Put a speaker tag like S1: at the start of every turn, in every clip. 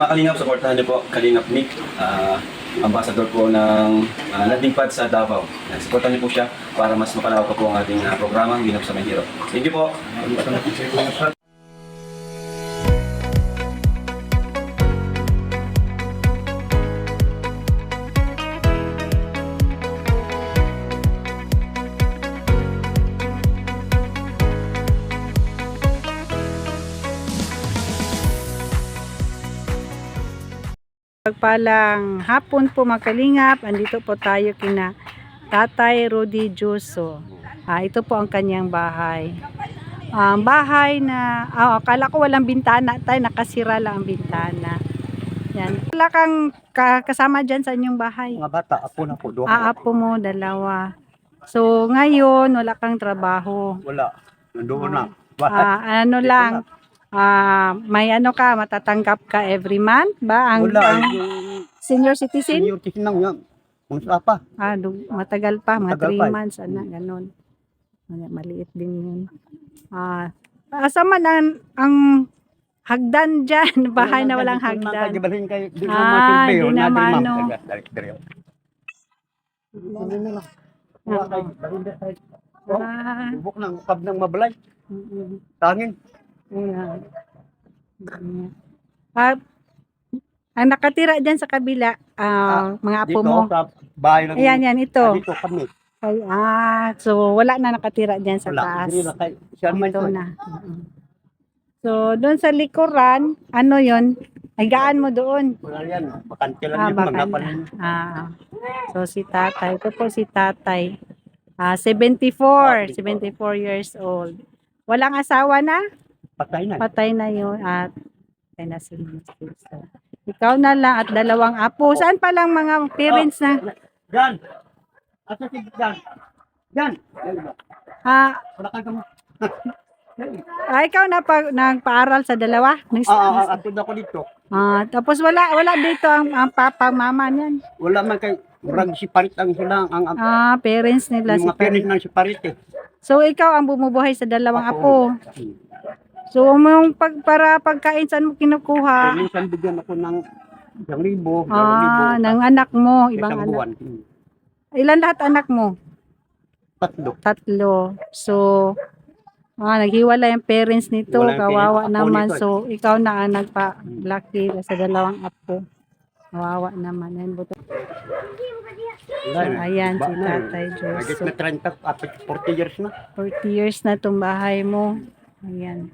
S1: Mga Kalingap, supportahan niyo po Kalingap Nick, ambassador po ng landing pad sa Davao. Supportahan niyo po siya para mas mapalawak pa po ang ating programang Ginap sa Mahiro. Thank you po.
S2: Pagpalang hapon po mga Kalingap, andito po tayo kina Tatay Rudy Juso. Ito po ang kanyang bahay. Bahay na, akala ko walang bintana, tayo nakasira lang ang bintana. Yan. Wala kang kasama dyan sa inyong bahay?
S3: Mga bata, apo na po.
S2: Apo mo, dalawa. So ngayon, wala kang trabaho.
S3: Wala. Nandoon na.
S2: Ano lang, may ano ka, matatanggap ka every month ba?
S3: Wala.
S2: Ang senior citizen?
S3: Senior citizen lang yan. Kung sa pa.
S2: Matagal pa, mga
S3: Matagal
S2: 3
S3: pa.
S2: months, ganon. Maliit din yun. Asa man ang hagdan dyan, bahay na walang hagdan. Di naman, no.
S3: Bubok ng kab ng mabalay. Tangin.
S2: Ang nakatira dyan sa kabila, mga apo
S3: Dito
S2: mo.
S3: sa bahay ng...
S2: Ayan, ito.
S3: Dito kami.
S2: So wala na nakatira dyan sa
S3: Wala.
S2: taas.
S3: Dito na kay... Siya naman
S2: Ito na. So doon sa likuran, ano yon? Ay gaan mo doon.
S3: Wala yan. Bakante lang yung manggapan ninyo.
S2: So si tatay, ito po si tatay. 74 years old. Walang asawa na?
S3: Patay na.
S2: Patay na yun. At patay na si Mr. So, ikaw na lang at 2 apo. Saan pa lang mga parents na?
S3: Jan! Asa si Jan? Jan!
S2: Wala
S3: kang kamo.
S2: Ikaw na nagpaaral sa 2?
S3: Ako na ko dito.
S2: Tapos wala dito ang papa, mama niyan.
S3: Wala man kay murag si parit ang sila ang
S2: Parents nila
S3: mga parents ng si parit eh.
S2: So ikaw ang bumubuhay sa 2 apo. So para pagkain saan mo kinukuha?
S3: Minsan bigyan ako ng 1,000, 2,000.
S2: Ng anak mo, ibang
S3: isang
S2: anak.
S3: buwan.
S2: Ilan lahat anak mo?
S3: 3.
S2: 3. So naghiwalay ang parents nito,
S3: Wala yung
S2: kawawa
S3: parents, apo
S2: naman.
S3: nito eh.
S2: So ikaw na ang nagpa-laki sa 2 apo. Kawawa naman. So, ayan si Tatay
S3: Agad
S2: Joso.
S3: na 30, 40 years na.
S2: 40 years na itong bahay mo. Ayan.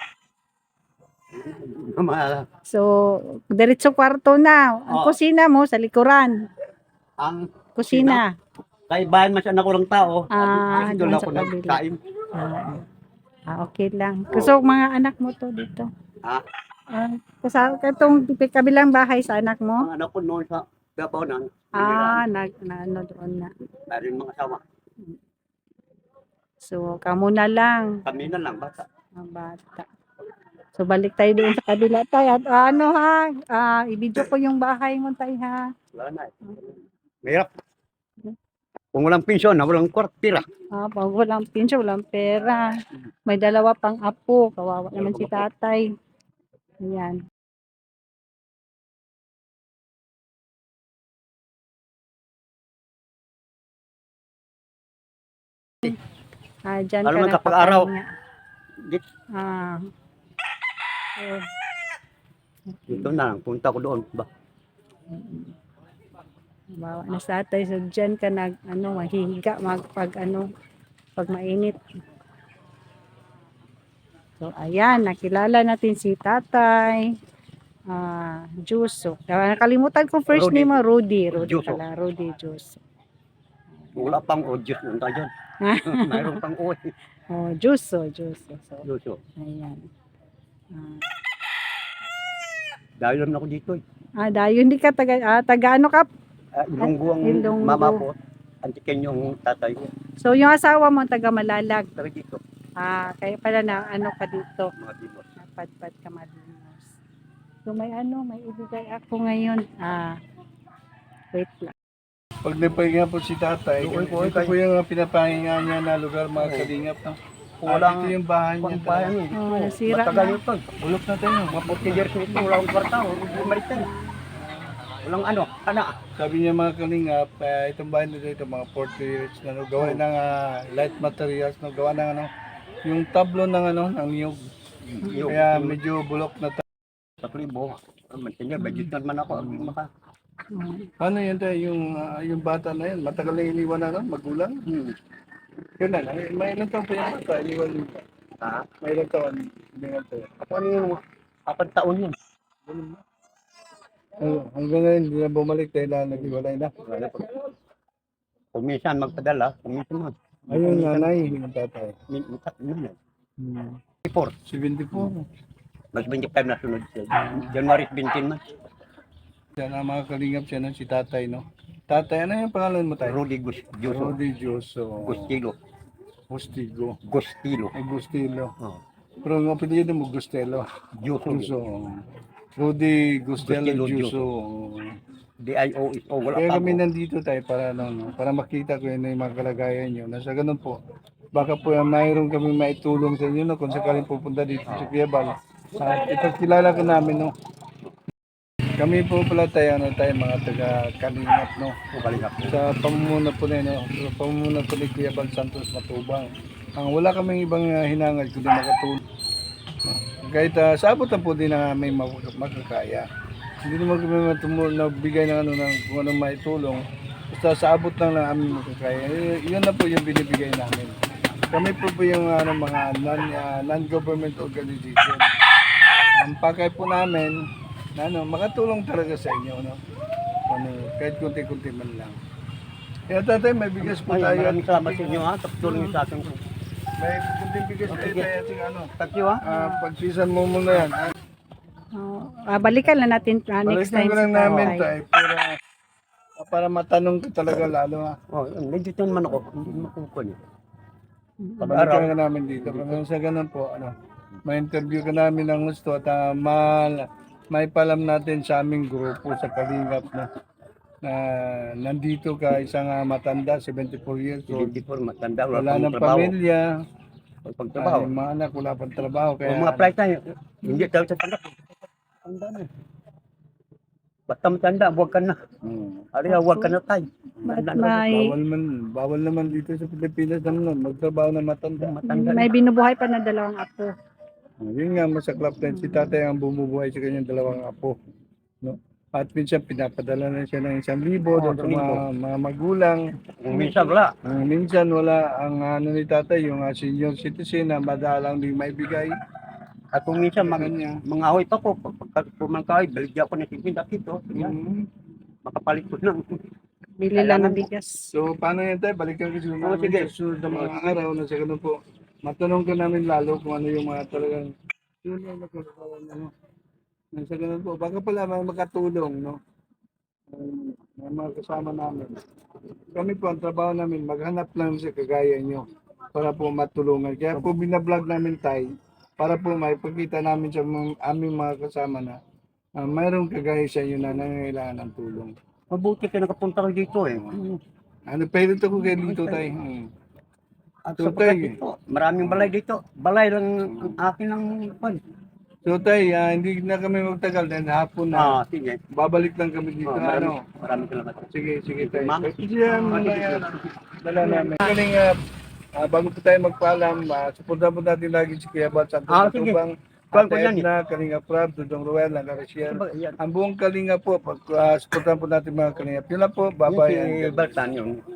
S2: So, diretso kwarto na. Ang kusina mo sa likuran.
S3: Ang
S2: Kusina.
S3: kay bayan man siya na kurang tao.
S2: Doon
S3: Doon
S2: sa
S3: ako
S2: kabila.
S3: nagkain.
S2: Okay lang. So, mga anak mo to dito. Kasi itong kabilang bahay sa anak mo?
S3: Ang anak ko noon sa Davao na.
S2: Ano doon na.
S3: Meron mga asawa.
S2: So, kamo na lang.
S3: Kami na lang bata.
S2: Mga bata. So, balik tayo doon sa kabila tayo. At i-video ko yung bahay mo tayo ha.
S3: Wala na. Mahirap. Kung walang pensyon, walang kwartira.
S2: Pag walang pinsya, walang pera. May 2 pang apo. Kawawa naman si tatay. Ayan. Diyan
S3: Alam
S2: ka
S3: mo, kapag araw, dito na lang, punta ko doon.
S2: Bawa na sa tatay. So dyan ka mahihiga pag mainit. So ayan, nakilala natin si Tatay Juso. Nakalimutan ko first
S3: Rudy.
S2: name mo, Rudy
S3: Juso.
S2: pala, Rudy Juso.
S3: Wala pang audio nun tayo dyan. Mayroon pang audio.
S2: Juso. So,
S3: Luso.
S2: ayan.
S3: Dahil lang ako dito.
S2: Dayo, hindi ka taga ano ka?
S3: Ilonggo ang
S2: Ilonggo.
S3: mama ko. Antikin yung tatay ko.
S2: So yung asawa mo taga Malalag.
S3: Tara dito.
S2: Kaya pala na ka dito.
S3: Mga dito.
S2: Napadpad ka malinos. So may ibigay ako ngayon. Wait lang.
S4: Pag napahinga po si tatay, ito po yung pinapahinga niya na lugar mga kalingap. No?
S3: Walang
S4: ito yung bahay niya.
S3: bayan eh.
S2: Oh, nasira
S3: Matagal
S2: na.
S3: ito.
S4: Bulok na tayo.
S3: Mga 40 years nito, wala akong kwarta. Bumalik yan. Walang ano, anak.
S4: Sabi niya mga kalingap, itong bahay nito, ito mga 40 years na no, gawa ng light materials, no, gawa ng ano, yung tablo ng ano, ng niyog. Kaya medyo bulok na tayo.
S3: Sa klibo. Mantinya, budget naman ako.
S4: Ano yun tayo, yung bata na yun, matagal na iniwan na, no, magulang. Yun na, may ilang taon pa yung bata, iniwan yun.
S3: Ha?
S4: May ilang taon, iniwan tayo.
S3: Ako ano yung 4 taon yun.
S4: Hanggang ngayon, hindi na bumalik dahil na nag-iwalay na.
S3: Kuminsan magpadala, kuminsan mag.
S4: Ayun, nanay, yung tatay.
S3: Hmm.
S4: 74.
S3: Mas 25 na sunod siya. January 17 man.
S4: Yan ang mga kalingap siya, no? Si tatay, no? Tatay, ano yung pangalan mo tayo?
S3: Rudy Gustilo.
S4: Rodi Dioso.
S3: Gustilo.
S4: Gustigo.
S3: Gustilo.
S4: Gustilo.
S3: Oh.
S4: Pero ang apelido mo, Gustelo.
S3: Juso.
S4: Dioso. Rudy Gustelo
S3: Gustelo
S4: Dioso.
S3: D-I-O-S-O. Wala
S4: Kaya
S3: pa
S4: kami
S3: ako.
S4: nandito tayo para, ano, no? Para makita ko yun yung mga kalagayan nyo. Nasa ganun po. Baka po mayroon kami maitulong sa inyo, no? Kung sakaling pupunta dito sa Quezon. Ipagkilala ko namin, no? Kami po pala tayo, ano, tayo mga taga-kalingap, no?
S3: Balingap.
S4: Sa pamumuno po na, no? Sa pamumuno po ni Kuya Bal Santos Matubang. Ang wala kaming ibang hinangad kundi makatulong. Kahit sa abot na po din na may makakaya. Hindi naman kami nagbigay ng ano ng kung anong maitulong. Basta sa abot lang ng aming makakaya. Yun na po yung binibigay namin. Kami po yung ano, mga non-government organization. Ang pakay po namin na ano, makatulong talaga sa inyo, no? Ano, kahit kunti-kunti man lang. Kaya tatay, may bigas po
S3: Ay,
S4: tayo.
S3: maraming salamat sa inyo ha. Tapos sa akin.
S4: May kunting bigas tayo tayo ating ano.
S3: Thank you ha.
S4: Pagpisan mo muna yan.
S2: Oh, balikan na natin next
S4: Balikan
S2: time
S4: ko
S2: si
S4: lang namin
S2: tatay.
S4: tayo para matanong ko talaga lalo ha.
S3: Oh, nandito naman ako. Hindi makukuha niyo.
S4: Balikan ka namin dito. Kung sa ganun po, ano, ma-interview ka namin ng gusto at may palam natin sa aming grupo sa Kalingap na nandito ka isang matanda, 74 years old.
S3: Hindi po matanda.
S4: Wala ng
S3: trabaho.
S4: pamilya,
S3: Pagtrabaho.
S4: ay, mga anak, wala pang trabaho.
S3: Kung
S4: Kaya,
S3: mga flight tayo, hindi tayo sa tanda. Tanda na. Basta matanda, huwag ka na. Ariya, huwag ka na tayo.
S2: Ba't
S3: Matanda na.
S2: may,
S4: bawal naman dito sa Pilipinas naman magtrabaho na matanda.
S3: Matanda na.
S2: may binubuhay pa na dalawang apo.
S4: Yun nga, masaklap din. Si tatay ang bumubuhay sa kanyang dalawang apo. No? At minsan pinapadala na siya ng 1,000 doon sa mga magulang.
S3: Kung minsan wala.
S4: Minsan wala ang ano ni tatay, yung senior citizen na madalang din may bigay.
S3: At kung minsan
S4: Kanya.
S3: mga ahoy pa ko, pag pumangkay, baligyan ko na 50 dito. Yan, makapalit ko na.
S2: Bili lang ng bigas.
S4: So, paano yan tayo? Balikan ko siguro namin
S3: sige.
S4: sa susunod na mga araw na sa ganun po. Matanong ka namin lalo kung ano yung mga talagang tulong na kagagawa ano. Sa ganun po. Baka pala may makatulong, no? May mga kasama namin. Kami po, ang trabaho namin, maghanap lang sa kagaya nyo para po matulungan. Kaya po binablog namin tayo para po maipakita namin sa aming mga kasama na mayroong kagaya sa inyo na nangangailangan ng tulong.
S3: Mabuti ka nakapunta ko dito eh.
S4: Ano, pwede ko kayo dito tayo.
S3: At
S4: So,
S3: sa pagkat
S4: tayo.
S3: dito, maraming balay dito. Balay lang ang akin ng pan.
S4: So tay, hindi na kami magtagal dahil hapon na.
S3: Sige.
S4: Babalik lang kami dito. Ano?
S3: Maraming salamat.
S4: Sige, sige tayo.
S3: Ma'am.
S4: Sige, dala namin. Galing, bago po tayo magpaalam, supportan po natin lagi si Kuya Bal Santos
S3: Sige.
S4: Matubang,
S3: Kuwan ko
S4: Ate
S3: yan eh.
S4: Edna, Kalinga Prab, Dudong Ruel, Langarasiel.
S3: Yan.
S4: Ang buong Kalinga po, supportan po natin mga Kalinga. Yun lang po, bye-bye.
S3: Si Baltan yun.